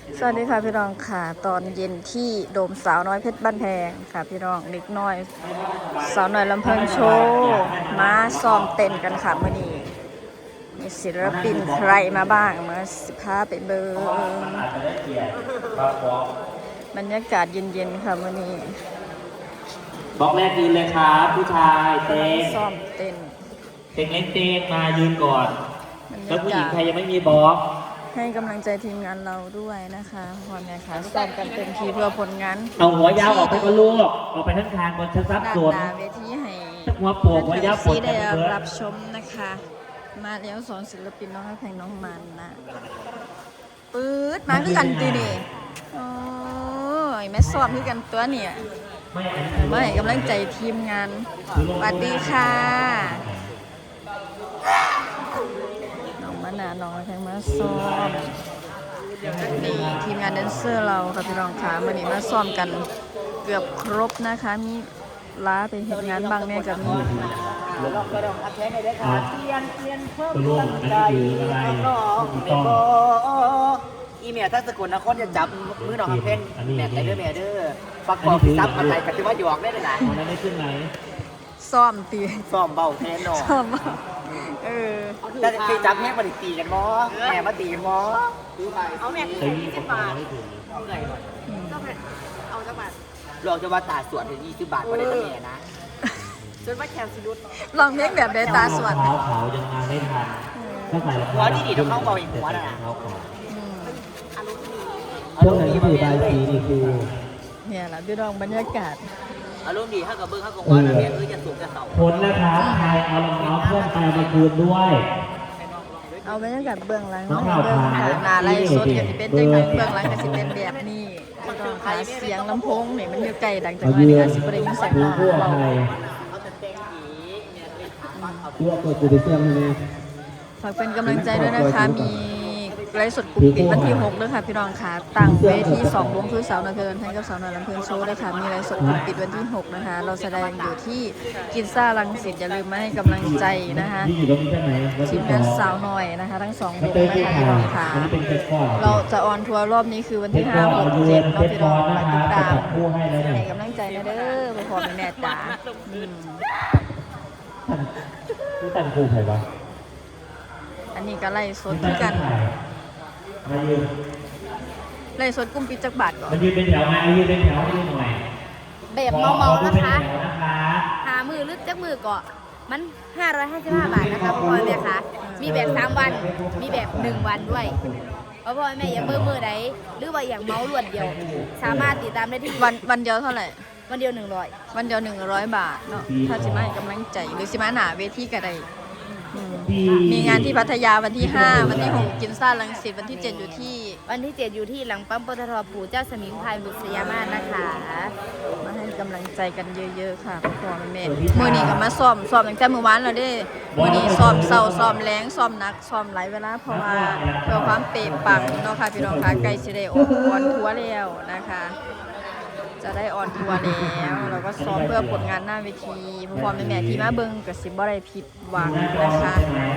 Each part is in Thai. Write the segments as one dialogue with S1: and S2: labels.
S1: สวัสดีค่ะพี่น้องค่ะตอนเย็นที่โดมสาวน้อยเพชรบ้านแพงค่ะพี่น้องเด็กน้อยสาวน้อยลำเพลินโชว์มาซ้อมเต้นกันค่ะมื่อนี้มีศิลปินใครมาบ้างมาสิพาไปเบิงบรรยากาศเย็นๆค่ะมื่อนี้
S2: บล็อกแรกยืนเลยครับผู้ชายเต้ง
S1: ซ้อมเต้น
S2: เต้งเล็กเต้งมายืนก่อนแล้วผู้หญิงใครยังไม่มีบล็อก
S1: ให้กำลังใจทีมงานเราด้วยนะคะพ่อแม่ค่ะซ้อมกันเต็มที่เพื่อผลงาน
S2: เอาหัวยาวออกไปก็ลูกออกไปทั้งทางบนชั้นซับส่วน
S1: ด้านหน้าเวทีให้
S2: หัวโปกหัวยาวปวด
S1: ได้รับชมนะคะมาแล้วสอนศิลปินน้องแพงน้องมันนะปื๊ดมาคือกันตีนี่โอ้ยแม่ซ้อมคือกันตัวเนี่ยมาให้กำลังใจทีมงานสวัสดีค่ะน้องมะนาวน้องแพงมาซ้อมนี่ทีมงานแดนเซอร์เราค่ะพี่น้องค่ะวันนี้มาซ้อมกันเกือบครบนะคะมีล้าไปเห็นงานบางเนี่ยกับมี
S3: ลองกระดองอัดแทงให้ได้ค่ะเปลี่ยนเพิ่มตั้งใจน้องเมโบอีเมียถ้าสกุลนครจะจับมือน้องอัดแทงแม่ได้เด้อแม่เด้อปักปอกซับอะไรกันที่ว่าหยอกได้เลยนะ
S2: มันไม่ขึ้นไหน
S1: ซ้อมตี
S3: ซ้อมเบาแทนน้อง
S1: ซ้อม
S3: แต่เคยจับแม่มาตีกันมั้แม่มาตีกันมั้
S4: เอาแม่20 บาท
S3: เอาไงหน่อย
S4: เอาจังหวัด
S3: ลองจะว่าตาสวนถึง20 บาทมาได้ตั้งแม่นะ
S4: จนว่าแคมซิดุด
S1: ลองเพลงแบบเดตาสวด
S2: เขายังมาไม่ทันถ้าใส่รองเท้า
S3: หัวดีๆต้องเข้าเบาอีกหัวนะ
S2: พวกนั้นที่ถือใบสีนี่คือ
S1: เนี่ยแหละพี่น้องบรรยากาศ
S3: อารมณ์ดีถ้ากับเบิ้งถ้ากับว่าแม่จะสูงจะเสา
S2: ผลนะครับใครเอารองเท้าเพื่อนไปมาคืนด้วย
S1: เอาบรรยากาศเบื้องหลังเบื้องหน้าไล่สดกับสิเป็นจังหวะเบื้องหลังกับสิเป็นแบบนี้ต้องขายเสียงลำโพงนี่มันอยู่ไกลดังจากนี้ก็สิบได้ยินเสียงเราฝากเป็นกำลังใจด้วยนะคะมีไลฟ์สดกลุ่มปิดวันที่6ด้วยค่ะพี่น้องค่ะต่างเวที2วงคือสาวน้อยเพลินแทนกับสาวน้อยลำเพลินโชว์ด้วยค่ะมีไลฟ์สดกลุ่มปิดวันที่6นะคะเราแสดงอยู่ที่กินซ่ารังสิตอย่าลืมมาให้กำลังใจนะคะทีมงานสาวน้อยนะคะทั้ง2วงนะคะพี่น้องค่ะเราจะออนทัวร์รอบนี้คือวันที่5 6 7เนาะพี่น้องมาติดตามให้กำลังใจนะเด้อไปพอแม่จ๋า
S2: นี่แต่งคู่ใครวะ
S1: อันนี้ก็ไล่สดกันไล่สดกุ้มปิดจักบาทก่อน
S2: มายืนเป็นแถวมายืนเป็นแถวให้ดูหน่อย
S4: แบบเมาๆนะคะหามือลึกจักมือเกาะมัน555 บาทนะคะพ่อแม่คะมีแบบ3 วันมีแบบ1 วันด้วยพ่อแม่อย่ามือใดหรือว่าอย่างเมาล้วนเดียวสามารถติดตามได้ที่
S1: วันเดียวเท่าไหร่
S4: วันเดียว100
S1: วันเดียว100 บาทเนาะถ้าสิมาให้กำลังใจหรือสิมาหนาเวทีก็ได้มีงานที่พัทยาวันที่5วันที่6กินซ่ารังสิตวันที่7อยู่ที่
S4: หลังปั๊มปตท.ปู่เจ้าสมิงพรายบุษยามาศนะคะ
S1: มาให้กำลังใจกันเยอะๆค่ะพ่อแม่มื้อนี้ก็มาซ้อมตั้งแต่เมื่อวานแล้วเด้มื้อนี้ซ้อมเช้าซ้อมแลงซ้อมหนักซ้อมหลายเวลาเพราะว่าเพื่อความเป๊ะปังเนาะค่ะพี่น้องค่ะใกล้สิได้ออนทัวร์แล้วนะคะจะได้ออนทัวร์แล้วเราก็ซ้อมเพื่อผลงานหน้าเวทีพ่อแม่ที่มาเบิ่งก็สิบ่ได้ผิดหวังนะคะ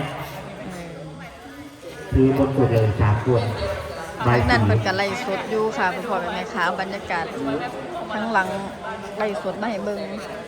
S2: คือบนสุดเลย3 คน
S1: ทางนั้นเป็นกันไล่สดอยู่ค่ะพ่อแม่ค่ะบรรยากาศทั้งหลังไล่สดมาให้เบิ่ง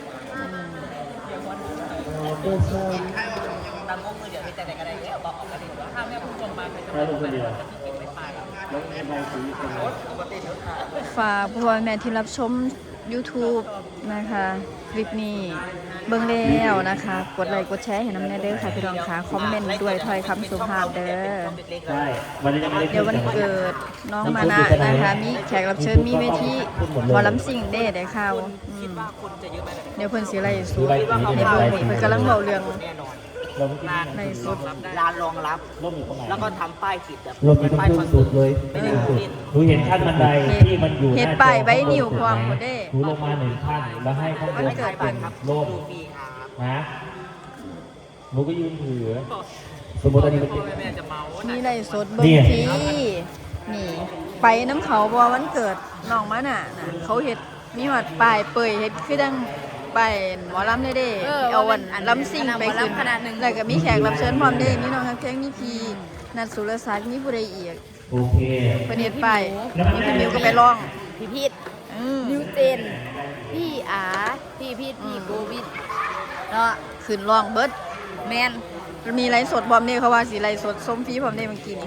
S1: ฝากพ่อแม่ที่รับชม YouTube นะคะคลิปนี้เบิ่งแล้วนะคะกดไลค์กดแชร์ให้น้ำแน่เด้อค่ะพี่น้องค่ะคอมเมนต์ด้วยถ้อยคำสุภาพเด้อเดี๋ยววันเกิดน้องมานะนะคะมีแขกรับเชิญมีเวทีหมอลำซิ่งเด้ได้ข่าวเดี๋ยวเพิ่นสิไล่สุดในเบิ่งนี่เพิ่นกำลังเว้าเรื่องในสุด
S3: ลานรองรับแล้วก็ทำป้ายติดแบบ
S2: ป้ายคอนสุดเลยดูเห็นขั้นบันไดที่มันอยู่
S1: เห็นป้ายใบนิ้วความหมดเด้
S2: ดูลงมา1 ขั้นแล้วให้ข้างบนเป็นร่มนะหนูก็ยืนถือสมมติอันนี้
S1: นี่ไล่สดเบิ่งทีนี่ไปน้ำเขาบ่วันเกิดน้องมาน่ะเขาเฮ็ดมีหอดป้ายเปยเฮ็ดคือดังไปหมอลำเด้เอาวันลำซิ่งไปขึ้นแล้วก็มีแขกรับเชิญพร้อมเด้มีน้องฮักแพงมีพี่นัทสุรศักดิ์มีผู้ใดอีก
S2: โอเค
S1: ประเด็นไปนี่พี่มิวก็ไปร้อง
S4: พี่พีท
S1: อืม
S4: นิวเจน พี่อาพี่พีทพี่โกวิดเนาะ
S1: ขึ้นร้องเบิด
S4: แมน
S1: มีไลฟ์สดบอมเนี่ยเขาว่าสิไลฟ์สดส้มฟรีบอมเนี่ยมันกิน
S4: นะ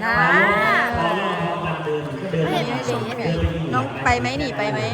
S1: ไม่เห็นชมฟรีน้องไปไหมนี่ไปไหม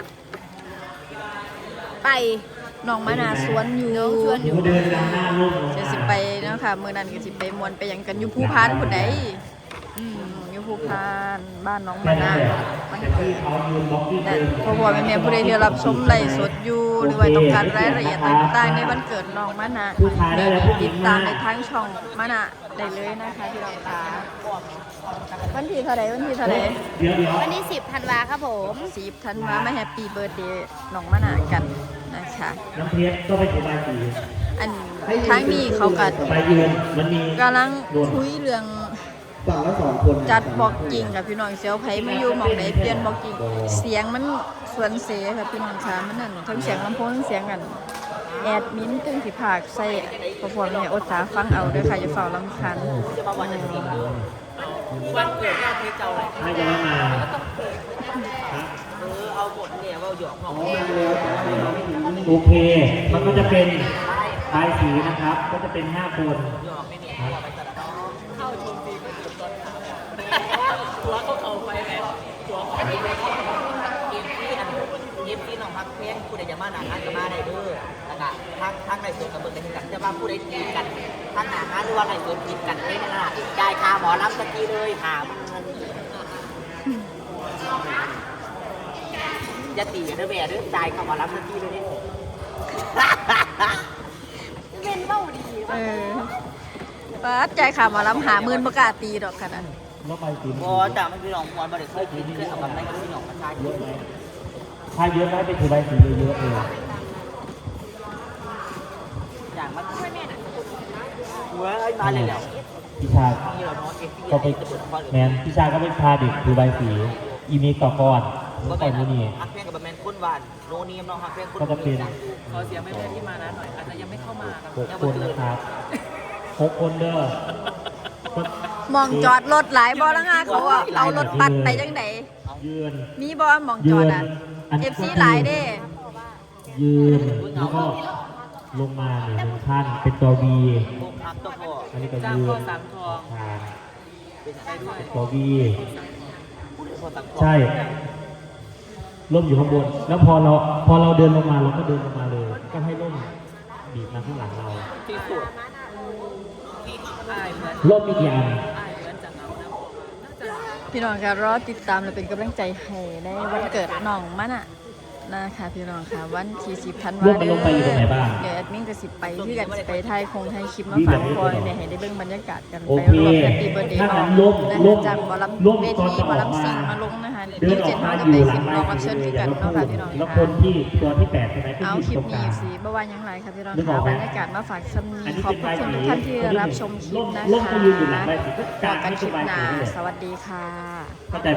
S4: ไป
S1: น้องมานาสวนอยู่
S4: น้องชวนอยู่
S2: เดินหน้ารูป
S1: จะสิไปเนาะค่ะมื้อนั้นก็สิไปมวนไปหยังกันอยู่ภูพานพุ่นใดอยู่ภูพานบ้านน้องมานามันเกิด
S2: เขายืนบล็อกที่
S1: แต่
S2: เดิน
S1: พอบอกแม่ๆผู้ใดที่รับชมไลฟ์สดอยู่หรือว่าต้องการรายละเอียดต่างๆในวันเกิดน้องมานาติดตามในทั้งช่องมานาได้เลยนะคะที่เราตาวันที่เท่าไหร่วันที่เท่าไหร่
S2: เดี๋ยว
S4: วันที่10 ธันวาครับผม
S1: 10 ธันวามาแฮปปี้เบิร์ธเดย์น้องมานากันนะคะ
S2: น้ำเพชรก็ไปถึงใบสี
S1: อันทั้งนี้เขาก็
S2: ใบยืนมันมี
S1: กำลังคุยเรื่อง
S5: ฝั่งละ2 คน
S1: จัดบอกกิ่งกับพี่น้องเสียวไผไม่อยู่หมองไหนเปลี่ยนบอกกิ่งเสียงมันส่วนเสียค่ะพี่น้องค่ะมันนั่นทั้งเสียงลำโพงทั้งเสียงกันแอดมินตึ้งสิผากใส่พอพอเนี่ยอดตาฟังเอาเด้วยค่ะอย่าเฝ้าลำคัน
S3: วันเกิดแม่เทเจ้าเลย
S2: ไม่จะไม่มา
S3: เอาบทเนี่ยว่าหยอกของ
S2: โอเค มันก็จะเป็นใบสีนะครับ ก็จะเป็น5 คน
S3: ตัวเขาเอาไปแบบตัวของเกมที่น้องพักเพลงผู้ใดจะมาหนาฮานก็มาได้เด้อแล้วก็ทางในส่วนกับเบิร์ดกันจะว่าผู้ใดตีกันทางหนาฮานหรือว่าในส่วนตีกันไม่นั่นน่ะจ่ายค่าหมอรับสักทีเลยหาจะตีกันเด้อแม่เด้อจ่ายค่าหมอรับสักทีเลยนี่
S4: เป็นเบ้าดี
S1: เออป้าดใจขามาล้ำ50,000ประกล้าตีดอกขนาดนั้น
S2: แล้วใบสี
S3: พอจากมันพี่น้องมอนมาเด็กเคยกินเคยเอาแบบนั้นกับพี่น้องมาทานเยอะไหม
S2: ถ้าเยอะได้ไปถือใบสีเยอะๆเลย
S3: อย่างมันไม่แม่น่ะหัวไอ้มาเลยแล้ว
S2: พี่ชา
S3: นี่เราเนาะเอฟซี
S2: ก็ไปแมนพี่ชาก็ไปพาเด็กถือใบสี อีมีต่อก่อนเมื่อก่อนนี่
S3: ฮักเพลงกับแมนคุ้นหวานโนนีมน้องฮักเพลงคุ้น
S2: ก็จะเป็น
S3: ขอเสียงแม่ที่มานะหน่อยอาจจะยังไม่เข้ามาครับ
S2: 6 คนนะครับ6 คนเด้อ
S1: มองจอดรถหลายบอแล้วงาเขาอะเอารถปัดไปจังได
S2: ยืน
S1: มีบอมองจอดอ่ะ FC หลายเด้
S2: ยืนแล้วก็ลงมาเนี่ย1 ขั้นเป็นตัว V
S3: พวกฮักตัวพ่อ
S2: อันนี้ก็ยืนทาง
S3: เป็นใครด้วย
S2: ตัว V
S3: พูดถึงพ่อตังพ่อ
S2: ใช่ร่มอยู่ข้างบน แล้วพอเราเดินลงมาเราก็เดินลงมาเลย ก็ให้ร่มบีบมาข้างหลังเรา
S3: ที่สุดที่อายเหมือน
S2: ร่มมีกี่อัน
S3: อายเหมือนจะเหงานะ
S1: พี่น้องก็รอติดตามและเป็นกำลังใจให้ในวันเกิดน้องมันอะนะคะพี่น้องค่ะวันที่10 ธันวา
S2: ร่มมันลงไปอยู่ตรงไหนบ้าง
S1: เดี๋ยวแอดมินก็สิไปที่กันสิไปไทยคงไทยคลิปมาฝากพอเนี่ยให้ได้เบิ่งบรรยากาศกัน
S2: โอ
S1: ไป
S2: เค
S1: รวมแฮปปี้เบิร์ดเดย์
S2: ถ้า
S1: น้
S2: งั้
S1: อง
S2: นร่ม
S1: นะคะจากหมอลำ
S2: ร่ม
S1: เว
S2: ตอน
S1: ที
S2: จะ
S1: หมอ
S2: ออก
S1: ลำ
S2: มา
S1: ซิงมาลงนะคะ
S2: เดินออก
S1: 27
S2: มา
S1: เขา
S2: อ
S1: จะ
S2: ยู่
S1: ไป
S2: หลั
S1: สิ
S2: ง
S1: บ
S2: ไม้
S1: รองรับเชิญคือกันเนาะค่ะพี่น้อง
S2: แล้วค
S1: ค่ะ
S2: นที่ตัวที่8ใช่ไหมก็
S1: เอา
S2: ยืน
S1: คลิป
S2: ตรงก
S1: นี้
S2: ลาง
S1: สิบ่ว่าหยังไรค่ะพี่น้อง
S2: นึกอ
S1: ค่ะ
S2: อกไหม
S1: บรรยากาศมาฝากซ้ำ
S2: อัน
S1: นี้
S2: นี้
S1: ขอบ
S2: เป็น
S1: คุณ
S2: ใบ
S1: ทุก
S2: สี
S1: ท่านที่รับชมคลิปนะ
S2: ร่ม
S1: คะ
S2: ก็ยืนอยู่หลังใบสีก็
S1: บ
S2: กา
S1: อก
S2: ร
S1: กัน
S2: ไม่
S1: คลิ
S2: ใช่
S1: ป
S2: ใบ
S1: หน้า
S2: สีเลย
S1: สวัสดีค่ะ